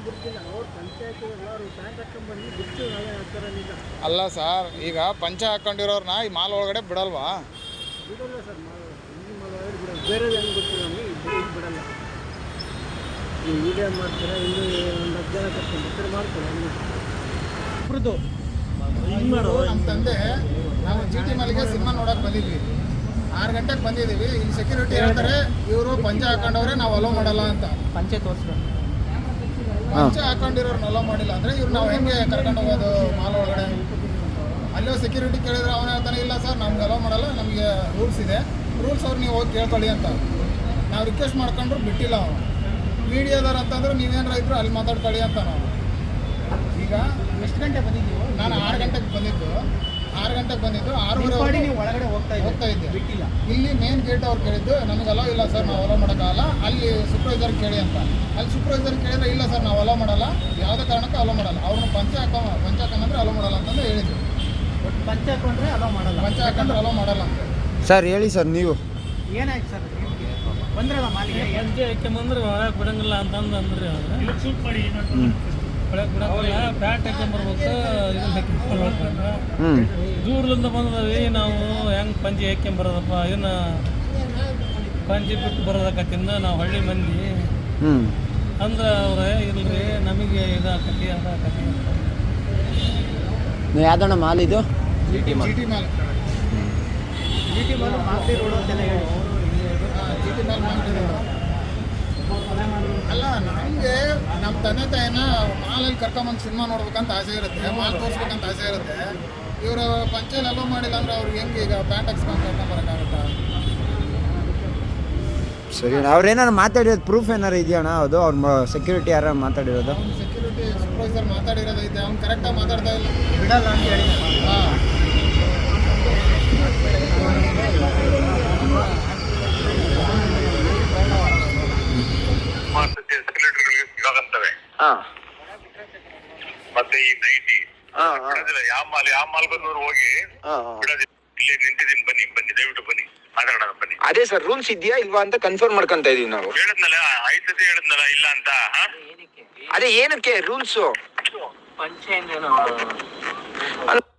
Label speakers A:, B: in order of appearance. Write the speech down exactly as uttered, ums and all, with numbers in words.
A: ಅಲ್ಲ ಸರ್, ಈಗ ಪಂಚ ಹಾಕೊಂಡಿರೋರ್ನ ಈ ಮಾಲ್ ಒಳಗಡೆ ಬಿಡಲ್ವಾ?
B: ಬೇರೆ ಗೊತ್ತಿಲ್ಲ ಬಿಡಲ್ಲ. ನೀವು ವಿಡಿಯೋ ಮಾಡ್ತೀರಾ, ಇನ್ನೂ ಒಂದು ಹತ್ತು ಜನ ಕರ್ಕೊಂಡು ಮಾಡ್ತಾರೆ.
A: ನಮ್ಮ ತಂದೆ ನಾವು ಜಿ ಟಿ ಮಾಲಿಗೆ ಸಿನಿಮಾ ನೋಡಕ್ ಬಂದಿದ್ವಿ. ಆರು ಗಂಟೆಗೆ ಬಂದಿದ್ದೀವಿ. ಇಲ್ಲಿ ಸೆಕ್ಯೂರಿಟಿ ಹೇಳ್ತಾರೆ ಇವರು ಪಂಚ ಹಾಕೊಂಡವ್ರೆ ನಾವು ಅಲೋ ಮಾಡಲ್ಲ ಅಂತ.
B: ಪಂಚೆ ತೋರಿಸ್ಬೇಕು.
A: ಪಂಚ ಹಾಕೊಂಡಿರೋರ್ನ ಅಲೋ ಮಾಡಿಲ್ಲ ಅಂದರೆ ಇವ್ರು ನಾವು ಹೆಂಗೆ ಕರ್ಕೊಂಡು ಹೋಗೋದು ಮಾಲ್ ಒಳಗಡೆ? ಅಲ್ಲೋ ಸೆಕ್ಯೂರಿಟಿ ಕೇಳಿದ್ರೆ ಅವನು ಹೇಳ್ತಾನೆ, ಇಲ್ಲ ಸರ್ ನಮ್ಗೆ ಅಲೋ ಮಾಡಲ್ಲ, ನಮಗೆ ರೂಲ್ಸ್ ಇದೆ, ರೂಲ್ಸ್ ಅವ್ರು ನೀವು ಹೋಗಿ ಕೇಳ್ಕೊಳ್ಳಿ ಅಂತ. ನಾವು ರಿಕ್ವೆಸ್ಟ್ ಮಾಡ್ಕೊಂಡ್ರು ಬಿಟ್ಟಿಲ್ಲ ಅವನು. ಮೀಡಿಯಾದವ್ರು ಅಂತಂದ್ರೆ ನೀವೇನಾರ ಇದ್ರು ಅಲ್ಲಿ ಮಾತಾಡ್ಕೊಳ್ಳಿ ಅಂತ. ನಾವು ಈಗ
B: ಎಷ್ಟು ಗಂಟೆ ಬಂದಿದ್ದೀವಿ?
A: ನಾನು ಆರು ಗಂಟೆಗೆ ಬಂದಿದ್ದು ಆರು ಗಂಟೆಗೆ ಬಂದಿದ್ದು ಆರೂವರೆ
B: ನೀವು ಒಳಗಡೆ ಹೋಗ್ತಾ
A: ಹೋಗ್ತಾ ಇದ್ದೆ.
B: ಬಿಟ್ಟಿಲ್ಲ.
A: ಇಲ್ಲಿ ಮೇನ್ ಗೇಟ್ ಅವ್ರು ಕೇಳಿದ್ದು ನಮಗೆ ಅಲೋ ಇಲ್ಲ ಸರ್, ನಾವು ಅಲೋ ಮಾಡೋಕ್ಕಾಗಲ್ಲ, ಅಲ್ಲಿ ಸೂಪರ್ವೈಸರ್ ಕೇಳಿ ಅಂತ. ಅಲ್ಲಿ ಸೂಪರ್ವೈಸರ್ ಕೇಳಿದ್ರೆ ಇಲ್ಲ ಸರ್ ನಾವು ಅಲೋ ಮಾಡಲ್ಲ, ಯಾವುದೇ ಕಾರಣಕ್ಕೂ ಅಲೋ ಮಾಡಲ್ಲ, ಅವ್ರನ್ನ ಪಂಚ ಹಾಕೋ ಪಂಚ ಹಾಕೊಂಡ್ರೆ ಅಲೋ ಮಾಡಲ್ಲ ಅಂತಂದು ಹೇಳಿದ್ರು.
B: ಒಟ್ಟು ಪಂಚ ಹಾಕೊಂಡ್ರೆ ಅಲೋ ಮಾಡಲ್ಲ,
A: ಪಂಚ ಹಾಕೊಂಡ್ರೆ ಅಲೋ ಮಾಡಲ್ಲ ಅಂತ.
C: ಸರ್ ಹೇಳಿ ಸರ್, ನೀವು
B: ಏನಾಯ್ತು ಸರ್? ಬಂದ್ರಲ್ಲ ಮಾಲಿಗೆ
D: ಪಂಚೆ ಹಾಕ್ಯಂಬಂದ್ರೆ ಒಳಗೆ ಬಿಡಂಗಿಲ್ಲ ಅಂತಂದು ಅಂದ್ರಿ ಅವ್ರು.
B: ಶೂಟ್ ಮಾಡಿ
D: ಒಳಗೆ ಬಿಡಂಗಿಲ್ಲ, ಪ್ಯಾಟ್ ಹಾಕ್ಯಂಬರ್ಬೇಕು, ಇದನ್ನ ಹಾಕ್ಯಂಬರ್ಬೇಕು.
C: ಹ್ಞೂ
D: ದೂರದಿಂದ ಬಂದದವಿ ನಾವು ಹೆಂಗೆ ಪಂಚೆ ಹಾಕ್ಯಂಬರೋದಪ್ಪ, ಇದನ್ನ ಪಂಚೆ ಬಿಟ್ಟು ಬರೋದಕ್ಕತ್ತಿಂದ ನಾವು ಹಳ್ಳಿ ಮಂದಿ
C: ಹ್ಞೂ
D: ಅಂದ್ರೆ ಅವ್ರೆ ಇಲ್ರಿ ನಮಗೆ ಇದಾಕತಿ ಅದಾಕತಿ ಅಂತ.
C: ನೀವು ಯಾವ್ದಣ್ಣ ಮಾಲ್ ಇದು?
A: G T mall. G T mall
B: G T mall Magadi road ಅಂತೆಲ್ಲ ಹೇಳಿ.
A: G T mall Magadi road. ಅಲ್ಲ, ನಮಗೆ ನಮ್ಮ ತಂದೆ ತಾಯಿನ ಮಾಲಲ್ಲಿ ಕರ್ಕೊಂಬಂದು ಸಿನಿಮಾ ನೋಡ್ಬೇಕಂತ ಆಸೆ ಇರುತ್ತೆ, ಮಾಲ್ ತೋರಿಸ್ಬೇಕಂತ ಆಸೆ ಇರುತ್ತೆ. ಇವರು ಪಂಚಾಯಲ್ ಅಲೋ ಮಾಡಿಲ್ಲ ಅಂದ್ರೆ ಅವ್ರಿಗೆ ಹೆಂಗೆ ಈಗ ಪ್ಯಾಂಟ್ ಹಾಕ್ಸ್ಕೊಂಡು ಕರ್ಕೊಂಬರೋಕ್ಕಾಗುತ್ತಾ?
C: ಸರಿ, ಅವ್ರೇನಾರು ಮಾತಾಡಿರೋದು ಪ್ರೂಫ್ ಏನಾರು ಇದೆಯಣ್ಣ? ಅದು ಅವ್ರ ಸೆಕ್ಯೂರಿಟಿ ಯಾರು ಮಾತಾಡಿರೋದು?
A: ಅವ್ನು ಸೆಕ್ಯೂರಿಟಿ ಸೂಪರ್ವೈಸರ್ ಮಾತಾಡಿರೋದೈತೆ, ಅವ್ನು ಕರೆಕ್ಟಾಗಿ ಮಾತಾಡ್ತಾ ಇಲ್ಲ,
B: ಬಿಡಲ್ಲ ಅಂತ ಹೇಳಿ.
A: ಹಾಂ.
E: ಸಿಗಾಕಂತವೆ ಮತ್ತೆ ಈ ನೈಟಿ ಯಾವ ಮಾಲ್ ಯಾವ ಮಾಲ್ ಬಂದವರು ಹೋಗಿ ಬಿಡೋದಿಲ್ಲ. ಇಲ್ಲಿ ನಿಂತಿದ್ದೀನಿ, ಬನ್ನಿ ಬನ್ನಿ ದಯವಿಟ್ಟು ಬನ್ನಿ ಮಾತಾಡೋಣ ಬನ್ನಿ.
C: ಅದೇ ಸರ್, ರೂಲ್ಸ್ ಇದೆಯಾ ಇಲ್ವಾ ಅಂತ ಕನ್ಫರ್ಮ್ ಮಾಡ್ಕೊಂತ ಇದೀವಿ ನಾವು.
E: ಹೇಳಿದ್ನಲ್ಲ ಐದು ಸತಿ ಹೇಳಿದ್ನಲ್ಲ ಇಲ್ಲ ಅಂತ.
C: ಅದೇ ಏನಕ್ಕೆ ರೂಲ್ಸು?
B: ಪಂಚೆ